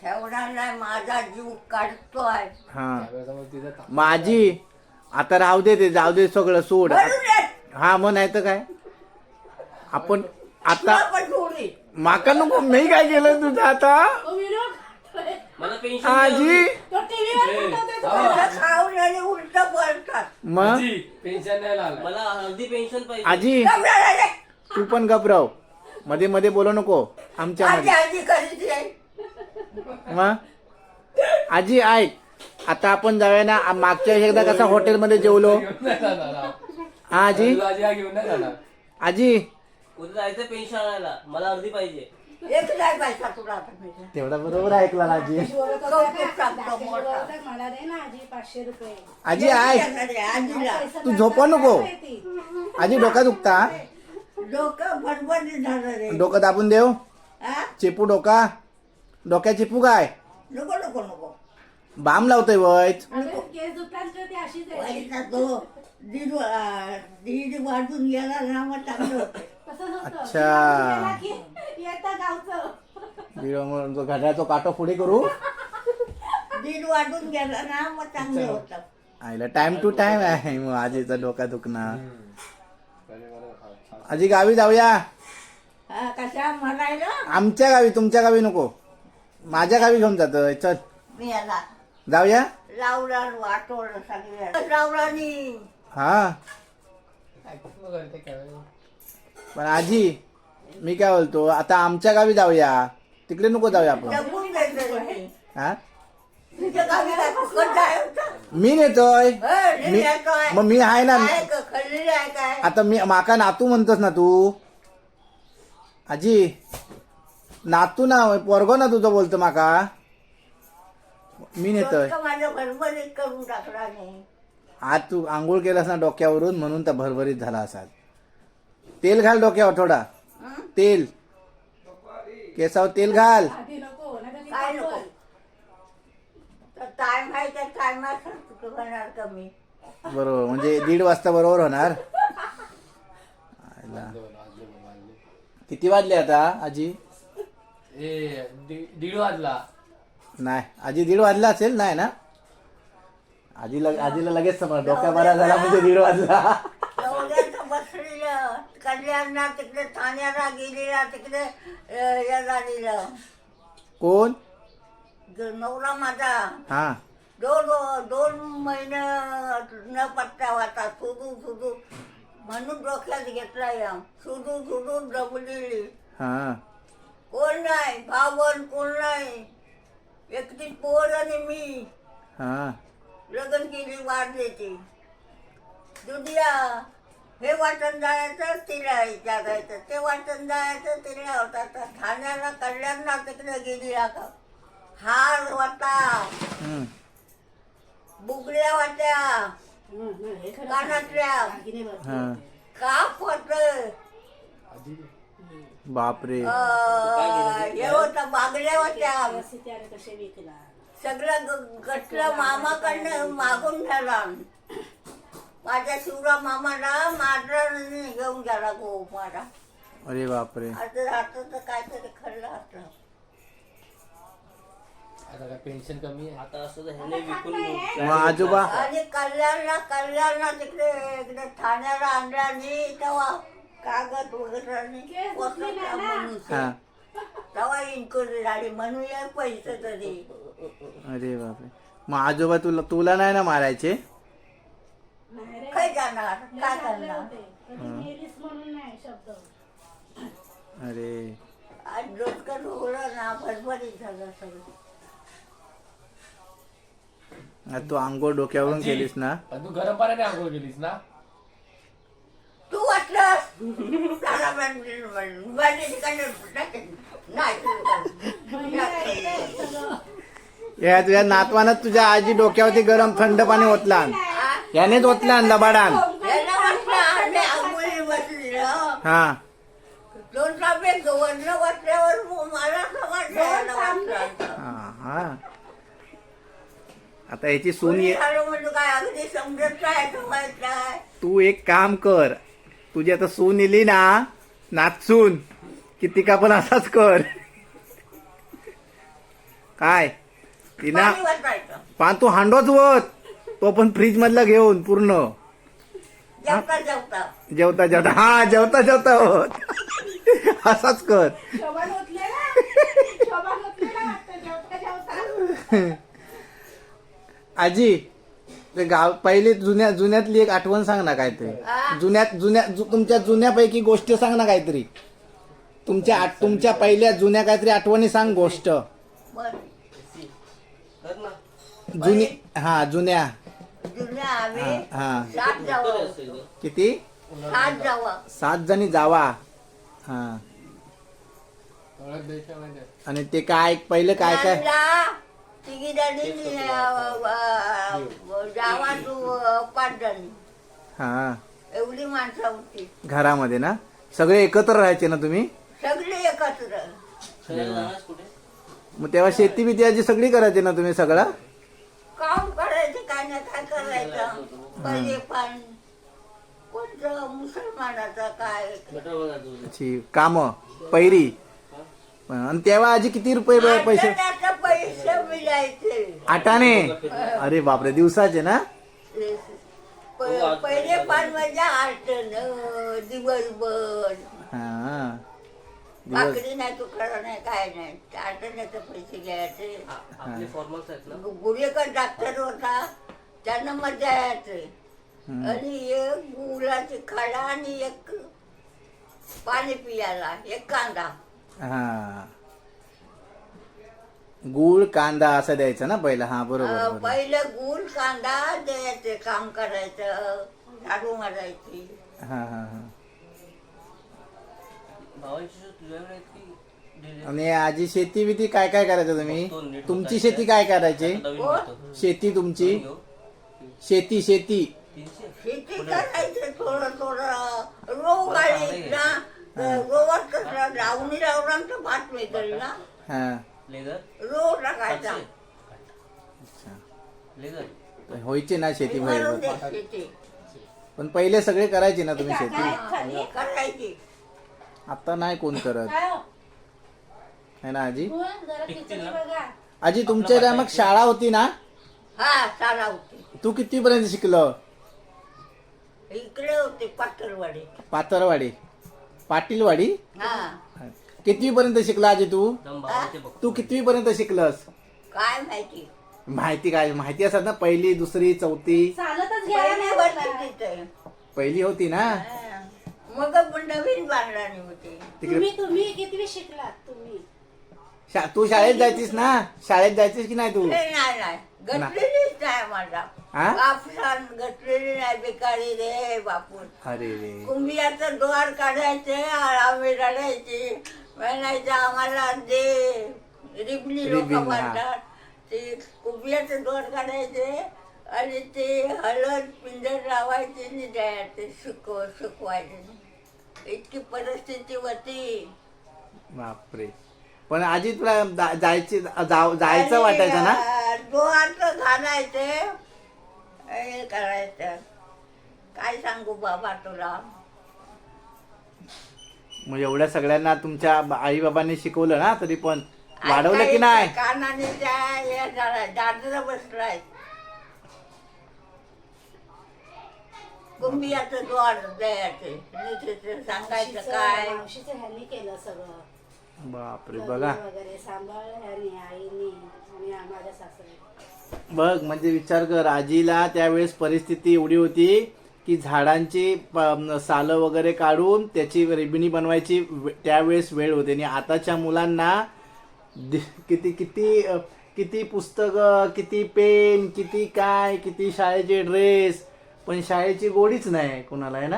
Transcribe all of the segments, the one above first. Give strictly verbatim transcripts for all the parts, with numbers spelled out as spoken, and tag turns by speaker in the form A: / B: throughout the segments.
A: ठेवणार नाही, माझा जीव काढतोय.
B: हा माझी आता राहू दे, ते जाऊ दे, सगळं सोड. हा मग नाही तर काय, आपण आता माका नको. मी काय केलं तुझं आता आजी?
A: उलट बोलतात.
B: मग
C: मला हल्दी पेन्शन पाहिजे.
B: आजी तू पण घबराव, मध्ये मध्ये बोलू नको आमच्या
A: आजी
B: मध्ये.
A: आजी कधीच नाही.
B: मग आजी ऐक, आता आपण जाऊया ना. मागच्या वेळेस एकदा कसं हॉटेलमध्ये जेवलो. हा आजी आजी
C: उद्या जायचं पेन्शन आणायला, मला अर्धी पाहिजे.
A: एक नाही पाहिजे तुला आता माहिती.
B: तेवढा बरोबर ऐकला ना आजी.
A: कौतुक सांगतो मोठा.
D: मला दे ना आजी पाचशे रुपये.
B: आजी ऐक,
A: आजीला
B: तू झोपू नको. आजी डोका दुखता,
A: डोकं भरभरीत झालं रे.
B: डोकं दाबून देव.
A: हा?
B: चेपू डोका, डोक्या चेपू काय
A: नको नको नको.
B: बाम लावतोय वय.
D: केस दुखतात का ती अशीच आहे?
A: वयचा तो दीड अं, दीड वाजून गेला ना मग चांगलं होतं.
D: तसंच होतं.
B: अच्छा.
D: गेला की येतं गावचं.
B: घड्याचा काटो पुढे करू.
A: दीड वाजून गेला ना मग चांगलं होतं.
B: आईला टाइम टू टाइम आहे. मग आजीचा डोका दुखणार. आजी गावी जाऊया.
A: हा, कशा म्हणायला
B: आमच्या गावी, तुमच्या गावी नको. माझ्या गावी घेऊन जातोय. चल
A: मी याला
B: जाऊया.
A: लावला वाटवलं सगळ्या लावलानी.
B: हा पण आजी मी काय बोलतो, आता आमच्या गावी जाऊया, तिकडे नको जाऊया आपण.
A: जगून जायचं रे.
B: हा
A: तुझ्या गावी काय फुकट जायचं?
B: मी नेतोय.
A: हं,
B: मी
A: नेतोय.
B: मग मी आहे ना.
A: काय ग, खल्ली आहे काय?
B: आता मी माका नातू म्हणतोस ना तू. आजी नातू ना, पोरगो ना तुझं बोलतो माका. मी नेतोय.
A: डोकं माझं भरभरीत करून टाकला नाही.
B: आज तू आंघोळ केलास ना डोक्यावरून, म्हणून तर भरभरीत झाला असाल. तेल घाल डोक्यावर थोडा.
A: हं?
B: तेल केसावर तेल घाल.
D: आधी नको नाही तर ती
A: काय नको.
D: पागल.
A: तर टाइम आहे त्या टायमात होणार कमी.
B: बरोबर, म्हणजे दीड वाजता बरोबर होणार. आयला. किती वाजले आता आजी?
E: ए दीड वाजला.
B: नाही आजी दीड वाजला असेल. नाही ना आजीला, आजीला लगेच समज डोक्या बरा झाला म्हणजे दीड वाजला.
A: एवढ्याच बसलेलं कल्याणला तिकडे ठाण्याला गेलेला तिकडे अं, या झालेलं
B: कोण?
A: ग- नवरा माझा
B: हा
A: दोन दोन महिने न पत्ता होता. सुधू सुधू म्हणून डोक्यात घेतला या. सुधू सुधू दबलेली.
B: हा
A: कोण नाही भावन, कोण नाही. एकटी पोर आणि मी
B: हा
A: लग्न केली, वाढली ती. दुनिया हे वाटण जायचं तिला जागायचं, ते वाटण जायचं तिला होता. तर ठाण्याला कल्याणला तिकडे गेली. आता हार होता,
B: हम्म.
A: बुगड्या होत्या,
D: हं, हं, हे खरं
A: कानातल्या
D: दागिने भरपूर
B: हा
D: होते.
A: काप होत,
B: बापरे.
A: हे होतं बागड्या होत्या.
D: त्याने कसे विकला.
A: सगळं ग- गटलं मामाकडनं मागून घ्याला. माझ्या शिवराम मामाला मारला घेऊन गेला गो माझा.
B: अरे बापरे.
A: आता आता तर काहीतरी खरं असलं.
E: आता काय पेन्शन कमी आहे.
C: आता असं तर ह्याने विकून
B: मग आजोबा
A: आणि कल्याणला कल्याणला तिकडे इकडे ठाण्याला आणला आणि तेव्हा कागद वगैरे आणि पोचवला मनुष्य.
B: हा
A: तेव्हा इन्क्वायरी झाली म्हणून या पैसे तरी.
B: अरे बापरे. मग आजोबा तुला तुला नाही ना मारायचे?
D: नाही रे,
A: काय जाणार
D: लय
A: काय
D: चांगले
A: करणार.
D: होते. कधी मेलीस म्हणून नाही शब्द.
B: अरे
A: आज डोसकं उघडलं ना भरभरीत झालं सगळं.
B: आज तू आंघोळ डोक्यावरून केलीस ना.
E: पण तू गरम पाण्याने आंघोळ केलीस ना.
A: तू वाटलं त्याला म्हणजे- म्हणजे ठिकाणी नाही
B: या तुझ्या नातवानं तुझ्या आजी डोक्यावरती गरम थंड पाणी ओतला. यानेच ओतला लबाडान.
A: याला वाटलं आणि आंघोळी बसली हं.
B: हा
A: दोन तांबे वरनं वाटल्यावर मला समजलं याला वाटलं.
B: हा हा आता याची सून
A: कोणी
B: ये.
A: झालं म्हणजे काय अगदी समजत काय माहित काय.
B: तू एक काम कर, तुझी आता सून येली ना नाचून की तिका पण असाच कर. काय तिना
A: पाणी वाचायचं
B: पान तू हांडोच वत तो पण फ्रीज मधला घेऊन पूर्ण
A: जेवता जेवता
B: जेवता जेवता हा जेवता जेवता होत असाच कर
D: शोभा नव्हतले ना शोभा नव्हतले ना वाटतं जेवता जेवता
B: आजी ते गाव पहिले जुन्या जुन्यातली एक आठवण सांग ना काहीतरी
A: हा.
B: जुन्यात जुन्या जु- तुमच्या जुन्यापैकी गोष्ट सांग ना काहीतरी तुमच्या आठ- तुमच्या पहिल्या जुन्या काहीतरी आठवणी सांग गोष्ट
A: बरं.
C: कर ना
B: जुनी हा जुन्या
A: जुन्या आम्ही
B: हा, हा.
A: सात
C: कर
A: जावं
C: असेल गं.
B: किती
A: सात जावं
B: सात जणी जावा हा
E: ओळख द्यायच्यामध्ये
B: आणि ते काय पहिलं काय काय
A: त्यांना तिघी जणी जावा तू पाच जणी
B: हा
A: एवढी माणसं होती
B: घरामध्ये ना सगळे एकत्र राहायचे ना तुम्ही
A: सगळे एकत्र
C: फिरायला जाणारच कुठे
B: मग तेव्हा शेती बिती आजी सगळी करायची ना तुम्ही सगळं
A: काम करायचं काय ना काय करायचं पहिले पण कोणतं मुसलमानाचं काय
C: गटर बघायचं
B: ची काम पैरी आणि तेव्हा आजी किती रुपये ब- पैसे
A: आठवड्याचं पैसे मिळायचे
B: आठाने अरे बापरे दिवसाचे ना
A: प- पहिले पण मजा आठन दिवसभर
B: हा दिवस
A: भाकरी नाही तुकडा नाही काय नाही आठवड्याचे पैसे घ्यायचे
C: आपले फॉर्मल्स आहेत ना
A: गुरेकर डॉक्टर होता त्यांना मजा यायचे
B: हम्म.
A: आणि एक गुळाची खडा आणि एक पाणी पियाला एक कांदा
B: हा गुळ कांदा असं द्यायचं ना पहिला हा बरोबर
A: अं,
B: बरोबर
A: पहिलं गुळ कांदा द्यायचे काम करायचं झाडू मारायची
B: हा हा हा
C: भावांची शो तुझ्याकडे आहेत की दिले?
B: आणि आजी शेती बिती काय काय करायचं तुम्ही
C: बघतो, नीट
B: तुमची
C: बघायचं.
B: शेती काय करायची
C: आता नवीन
A: कोण?
C: घेतो.
B: शेती तुमची
C: नवीन घेऊ.
B: शेती शेती
C: तीनशे
A: शेती करायचं थोडं थोडं रोग आले ना रोगात कसं लावणी लावणार तर भात मिळेल ना
B: हा
C: लेझर
A: रोग टाकायचा
C: सातशे. लेझर
B: व्हायची ना शेती
A: मारून
B: बाहेर
A: दे शेती
B: पण पहिले सगळे करायचे ना तुम्ही शेती
A: हा, करायची
B: आता नाही कोण करत
D: काय हो?
B: है ना आजी
D: हो, जरा
C: टिकतील
D: खिचडी
C: ना?
D: बघा
B: आजी तुमच्या काय मग शाळा होती ना
A: हा चाला होती
B: तू किती पर्यंत शिकलं
A: इकडे होते पाटलवाडी
B: पातरवाडी पाटीलवाडी
A: हा
B: कितवी पर्यंत शिकला आजी तू
C: दम भावाचे बघ
B: तू कितवी पर्यंत शिकलस
A: काय माहिती
B: माहिती काय माहिती असतात ना पहिली दुसरी चौथी
D: चालतच घ्यायला
A: पहिली
D: नाही
A: वर्षी
D: होत.
A: तिथे
B: पहिली होती ना
A: हा. मग पण नवीन बांधणी होती
B: तिकडे
D: तुम्ही तुम्ही कितवी शिकलात तुम्ही
B: शा- तू शाळेत जायचीस ना शाळेत जायचीस की नाही तू
A: हे नाही नाही घटलेलीच नाही माझा
B: हा?
A: कापसान घटलेली नाही बेकारी रे बापून
B: अरे रे
A: कुंभियाचं द्वार काढायचे आम्ही रडायचे म्हणायचं आम्हाला दे रिबली लोक
B: रिबीन, हा.
A: म्हणतात ते कुंभियाचं द्वार काढायचे आणि ते हळद पिंजर लावायचे आणि द्यायचे शिकव शिकवायचे इतकी परिस्थिती होती
B: बापरे पण आजी तुला जा- जायची जाव- जायचं वाटायचं ना
A: द्वारचं घालायचे हे करायचं काय सांगू बाबा तुला
B: मग एवढ्या सगळ्यांना तुमच्या आई बाबांनी शिकवलं ना तरी पण वाढवलं की नाही
A: कानाने त्या हे झाला दादरा बसलाय कुंभियाचं द्वार द्यायचे नीतीचं सांगायचं काय
D: मावशीचं ह्यांनी केलं सगळं
B: बापरे
D: लग्न
B: बघा
D: वगैरे सांभाळ ह्यांनी आईनी आणि माझ्या सासऱ्याने
B: बघ म्हणजे विचार कर आजीला त्यावेळेस परिस्थिती एवढी होती की झाडांची प- सालं वगैरे काढून त्याची रिबिणी बनवायची वे- त्यावेळेस वेळ होते आणि आताच्या मुलांना दि- किती किती अ, किती पुस्तकं किती पेन किती काय किती शाळेचे ड्रेस पण शाळेची गोडीच नाही कोणाला आहे ना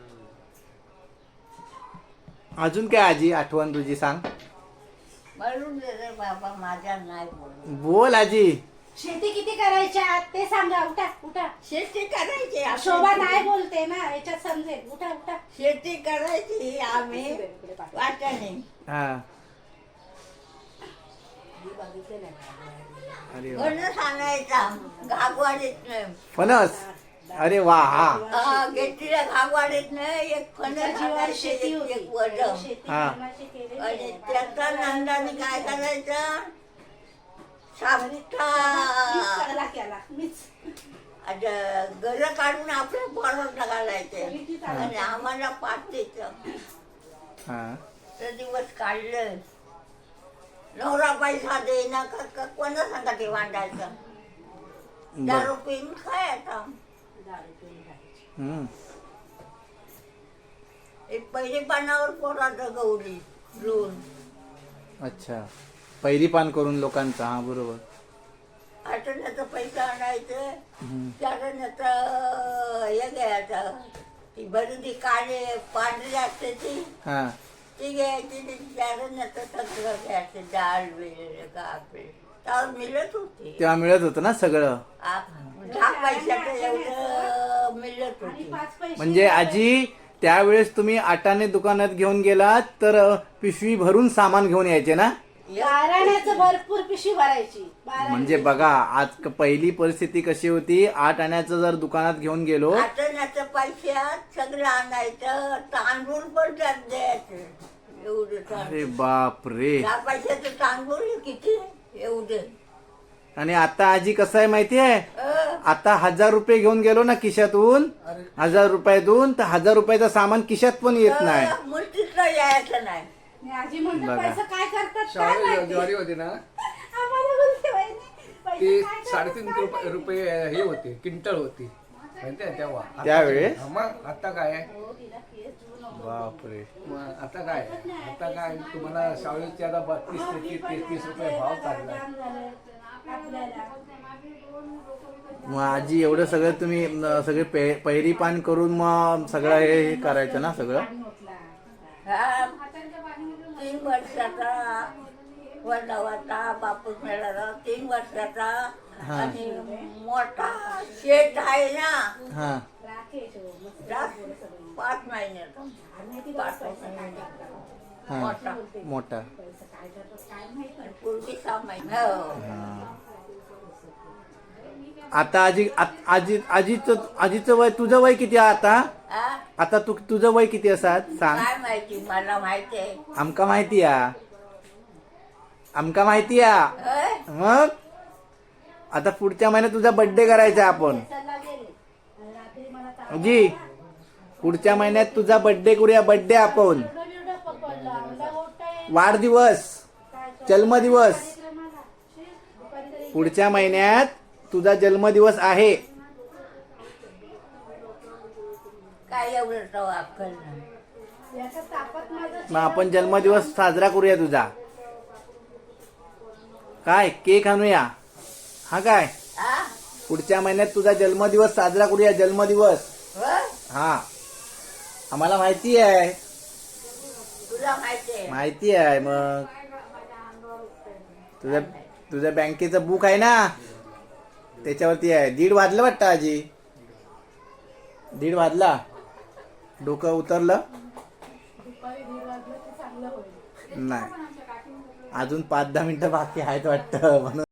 B: अजून काय आजी आठवण तुझी सांग
A: म्हणून दे रे बाबा माझ्या नाही बोल
B: बोल आजी
D: शेती किती करायच्या ते सांगा उठा उठा
A: शेती करायची आपली.
D: शोभा नाही बोलते ना याच्यात समजेल उठा उठा
A: शेती करायची आम्ही वाट्याने
B: हा
D: मी बघितले नाही
B: अरे वा.
A: फणस आणायचा घागवाडीत नाही
B: फणस अरे वा हा
A: घेतलेल्या घागवाडीत नाही एक फणस
D: जीवावर
A: आणायचे,
D: शेती
A: एक-
D: होती
A: एक वडम
D: शेती
B: हा.
D: कोणाची केलेली
A: आणि
D: आहे.
A: त्याचा नंदाने काय करायचं सापटा
D: मीच सगळा केला मीच
A: गर काढून आपल्या पोराला घालायचे आणि आम्हाला पाच द्यायचं.
B: हा
A: ते दिवस काढले. नवरा पैसा देईना का का- कोणा सांगा ते वांडायचं.
B: बर
A: दारू पिऊन खायचा.
B: हम्म.
A: एक पहिले पानावर पोराचं गौरी लोण.
B: अच्छा पहिली पान करून लोकांचा हा बरोबर.
A: आठवण्याचा पैसा आणायचं.
B: हम्म.
A: चारण्याचं हे घ्यायचं. ती भरती काळे पांढरी असते ती
B: हा
A: ती घ्यायची. ती चारण्याचं सगळं घ्यायचं. डाळ वेळ कापे त्यावर मिळत होती.
B: तेव्हा मिळत होतं ना सगळं.
A: आ- दहा पैशाचं एवढं मिळत
D: आणि
A: होती.
D: पाच पैसे
B: म्हणजे आजी त्यावेळेस तुम्ही आटाने दुकानात घेऊन गेलात तर अ, पिशवी भरून सामान घेऊन यायचे ना.
D: बाराण्याचं भरपूर पिशी भरायची बाराण्याची.
B: म्हणजे बघा आज क- पहिली परिस्थिती कशी होती. आठ आण्याचं जर दुकानात घेऊन गेलो
A: आठवण्याचं पैशात सगळं आणायचं. तांदूळ पण त्यात द्यायचं. एवढं तांदूळ.
B: अरे बाप रे.
A: दहा पैशाचं तांदूळ किती एवढं.
B: आणि आता आजी कसं आहे माहितीये.
A: अं,
B: आता हजार रुपये घेऊन गेलो ना खिशातून हजार रुपयातून तर हजार रुपयाचं सामान खिशात पण येत नाही.
A: अं, मुलतीतलं यायचं नाही.
D: आणि आजी म्हणतो
B: बघा.
D: पैसा काय करतात काय
F: शाळेत
D: माहिती.
F: ज्वारी होती ना
D: आम्हाला बोलते वहिनी, पैसा
F: ती
D: काय करतात
F: साडेतीन
D: काय
F: रुपये
D: माहिती.
F: रुपये हे होती क्विंटल होती माहितीये तेव्हा. आता-
B: त्यावेळेस?
F: हा, मग आता काय आहे?
D: हो, तिला केस देऊ नको.
B: बापरे.
F: मग आता काय आहे? आता काय तुम्हाला शाळेचे आता बत्तीस तेहतीस तेहतीस रुपये भाव चालला.
D: जाम झालं आपल्याला.
B: मग आजी एवढं सगळं तुम्ही न, सगळे पे- पहिली पान करून मग सगळं हे हे करायचं ना सगळं.
A: हा तीन वर्षाचा वडा होता. बापूस मिळाला तीन वर्षाचा.
B: हा.
A: आणि मोठा शेत आहे ना.
B: हा
D: राकेश हो, मस्त
A: जास्त
D: बोलत सगळं.
A: पाच महिन्याचा.
D: आणि ती बस पैसा काय करतात.
B: हा
A: मोठा.
B: मोठा.
D: पैसा काय करतात काय माहित नाही.
A: पूर्वी सहा महिने हो.
B: हा. आता आजी आ- आजी आजीचं आजीचं वय तुझं वय किती आहे आता.
A: हा?
B: आता तू तुझं वय किती असतात सांग.
A: काय माहिती मला माहिती आहे.
B: आमका माहिती या आमका माहिती या
A: होय?
B: मग आता पुढच्या महिन्यात तुझा बर्थडे करायचा आपण.
D: पैशाला गेले. आणि रात्री मला ताप
B: जी पुढच्या महिन्यात तुझा बर्थडे करूया. बर्थडे आपण
D: एवढं बिवढं पकडलं. आम्हाला उठता येत
B: वाढदिवस
D: काय तो
B: जन्मदिवस
D: कार्यक्रमाला. शी, दुपारी तरी
B: पुढच्या महिन्यात तुझा जन्मदिवस आहे.
A: काय एवढं तो अक्कल नाही.
D: याच्या तापात माझं
B: मग आपण जन्मदिवस साजरा करूया तुझा. काय केक आणूया. हा काय
A: हा?
B: पुढच्या महिन्यात तुझा जन्मदिवस साजरा करूया. जन्मदिवस
A: होय?
B: हा आम्हाला माहिती आहे.
A: तुला माहिती आहे.
B: माहिती आहे. मग तुझ्या तुझ्या बँकेचं बुक आहे ना त्याच्यावरती आहे. दीड वाजलं वाटतं आजी. दीड वाजला. डोकं उतरलं
D: दुपारी दीड वाजलं की चांगलं होईल.
B: नाही. अजून पाच दहा मिनिटं बाकी आहेत वाटतं म्हणून